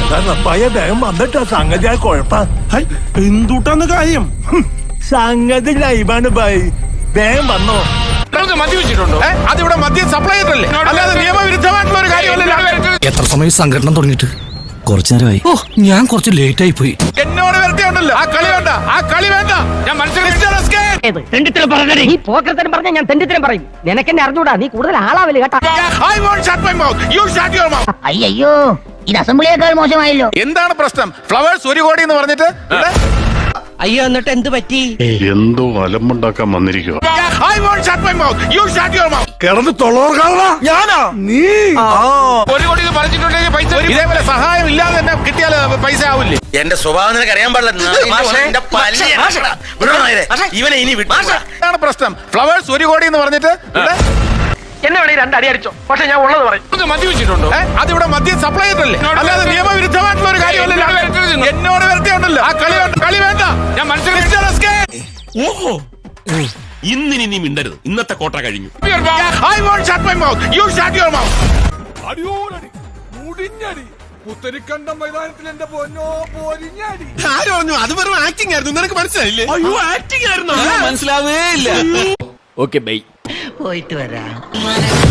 വേഗം വന്നിട്ടാ സംഗതി കുഴപ്പം. എന്തുട്ടാന്ന് കാര്യം? സംഗതി ലൈവാണ് ഭായ്, വേഗം വന്നോ. മദ്യവെച്ചിട്ടുണ്ടോ? അതിവിടെ മദ്യം സപ്ലൈ ചെയ്തല്ലേ, അല്ലാതെ നിയമവിരുദ്ധമായിട്ടുള്ള ഒരു കാര്യമല്ല. എത്ര സമയം സംഘടന തുടങ്ങിയിട്ട്? കുറച്ചു നേരമായി. ഓ, ഞാൻ കുറച്ച് ലേറ്റ് ആയി പോയി. എന്നോട് വരത്തിയുണ്ടല്ലോ, ആ കളി വേണ്ട, ആ കളി വേണ്ട. ഞാൻ പറഞ്ഞ ഞാൻ തെണ്ടിത്തരം പറയും. നിനക്കെന്നെ അറിഞ്ഞൂടാ, നീ കൂടുതൽ ആളാവില്ല കേട്ടാ. അയ്യോ, ഇത് അസംബ്ലിയേക്കാൾ മോശമായല്ലോ. എന്താണ് പ്രശ്നം? ഫ്ലവേഴ്സ് 1 കോടി എന്ന് പറഞ്ഞിട്ട് അയ്യോ, എന്നിട്ട് എന്ത് പറ്റി? എന്തോ അലമ്പുണ്ടാക്കാൻ വന്നിരിക്കുക. കിടന്ന് തൊള്ളോർക്കാളാ ഞാനാ നീ. 1 കോടി പറഞ്ഞിട്ടുണ്ടെങ്കിൽ പൈസ ഇതേപോലെ സഹായം ഇല്ലാതെ തന്നെ കിട്ടിയാൽ പൈസ ആവില്ലേ? എന്റെ സ്വഭാവം നിനക്ക് അറിയാൻ പാടില്ല. ഇവനെ ഇനി എന്താണ് പ്രശ്നം? ഫ്ലവേഴ്സ് 1 കോടി എന്ന് പറഞ്ഞിട്ട് എന്നെ വേണേ 2 അടി അടിച്ചോ, പക്ഷെ ഞാൻ ഉള്ളത് പറയും. മദ്യവെച്ചിട്ടുണ്ടോ? അതിവിടെ മദ്യം സപ്ലൈ ചെയ്തല്ലേ, അല്ലാതെ നിയമവിരുദ്ധമായിട്ടുള്ള ഒരു കാര്യമല്ല. എന്നോട് വരത്തിയുണ്ടല്ലോ, ആ കളി വേണ്ട, കളി വേണ്ട. ഞാൻ ഓഹോ, ഇന്നിനി നീ മിണ്ടരുത്. ഇന്നത്തെ കോട്ട കഴിഞ്ഞു. പുത്തരിക്കണ്ട മൈതാനത്തിൽ എന്റെ പൊന്നോ പോരിഞ്ഞടി. ആര് പറഞ്ഞു? അത് വെറും ആക്ടിംഗ് ആയിരുന്നു. നിനക്ക് മനസ്സിലായില്ലേ? അയ്യോ, ആക്ടിംഗ് ആയിരുന്നു. മനസ്സിലാവേ ഇല്ല. Okay bye. പോയിട്ട് വരാം.